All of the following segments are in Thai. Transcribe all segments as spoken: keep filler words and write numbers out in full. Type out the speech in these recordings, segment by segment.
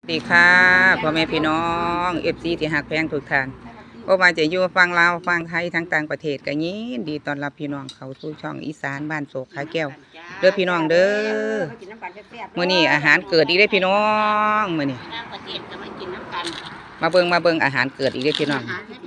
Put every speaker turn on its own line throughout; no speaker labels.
ดีค่ะพ่อแม่พี่น้องเอฟซีที่หักแพงทุกท่านก็มาจะอยู่ฟังลาวฟังไทยทั้งต่างประเทศกันยินดีต้อนรับพี่น้องเขาสู่ช่องอีสานบ้านโศกขาแก้วเด้อพี่น้องเด้อมื้อนี้อาหารเกิดอีกเด้อพี่น้องมื้อนี้มาเบิ่งมาเบิ่งอาหารเกิดอีกเด้อพี่น้อง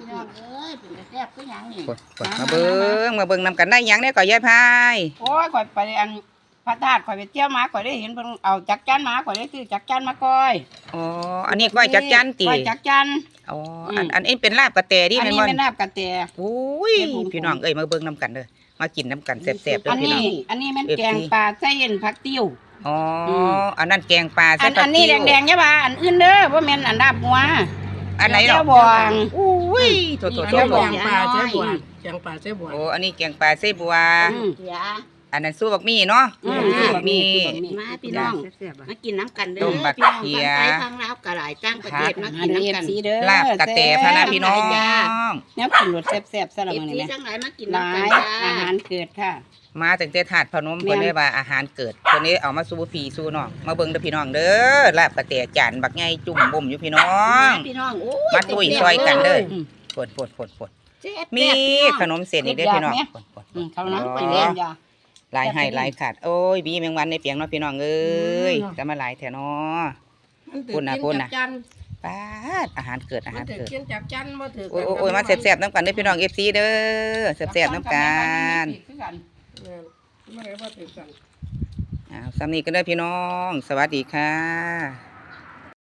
มาเบิ่งมาเบิ่งนำกันได้หยังเนี่ยก่อยยายพาย
โอ้ยข่อยไปอันพระธาตุข่อยไปเที่ยวมาข่อยได้เห็นเพิ่นเอาจักจั่นมาข่อยได้ซื้อจักจั่นมาก้อย
อ๋ออันนี้ก้อยจักจั่นติ
ก้อยจักจั่น
อ๋ออันอันนี้เป็นลาบกระแตดิ
อัน
แม่น
นี้
บ่
เป็นลาบกระแต
โอ้ยพี่น้องเอ้ยมาเบิ่งนำกันเด้อมากินนำกันแซ่บๆเด้
อั
อน พี่น้
นี้
อง
อันนี้มันแกงปลาไส้เย็นผักติ้ว
อ๋ออันนั้นแกงปลา
อันอันนี้แดงๆใช่ป่ะอันอื่นเด้อบ่แม่นอันลาบหัว
อันไหนเนาะ
แก้วบวง
อุ้ยโถโถโถ
แก้วบวง
แกงปลาเจ๊บวงแกงปลาเจ๊บวง
โอ้อันนี้แกงปลาเสบัว
อืม
อันนั้นสู้บักมี่เนาะ
อืม
สู้บักมี่
มาพี่น้องมากินน้ำกันเด้
ต้
อ
มบัก
พี่น้อง
เขีย
ทางไทยทางลาวกระหลายต่างประเทศมา
อั
กิ
น
น
นี้
น้ำกัน
สีเด้อ
ลาบกระแตพะนะพี่น้อง
แนวกินรสแซ่บๆซะละ
เอฟ
มื้อ
ซี
นี้
ทั้งหลายมากิน
หลา
น้ำกัน
ย
จ้า
อาหารเกิดค่ะ
มาตั้งแต่ถาดพนมเพิ่นได้ว่าอาหารเกิดเพิ่นนี้เอามาสู่พี่สู่น้องมาเบิ่งเด้อพี่น้องเด้อลาบกระแตจานบักใหญ่จุ่มบ่มอยู่พี่น้อง
พี่น้องโอ้ย
มาตุ้ยซอยกันเด้อ
อืม
ปดปดปดปด
เจ็บ
มี
มี
ขนมเส้นอีกเด้อพี่น้องปดปด
อืมเขานั้น
อ๋อ
ไปเล่นยา
หลายให้หลายขาดโอ้ยบีแมงวันในเปียงเนาะพี่น้องเอ้ยจะมาหลายแถเนาะ พูดนะพูดนะ ป้าดอาหารเกิดอา
มั
หาน ร
ถือ
เกิด
กินจากจันมาถือ
โอ้ยโอ้ยโอ้ยมาแซ่บๆน้ำกันเด้อพี่น้องเอฟซีเด้อแซ่บๆน้ำกัน
ไม่ได้ว่าถือกัน
อ้าวสำนีกันเด้อพี่น้อง สวัสดีค่ะ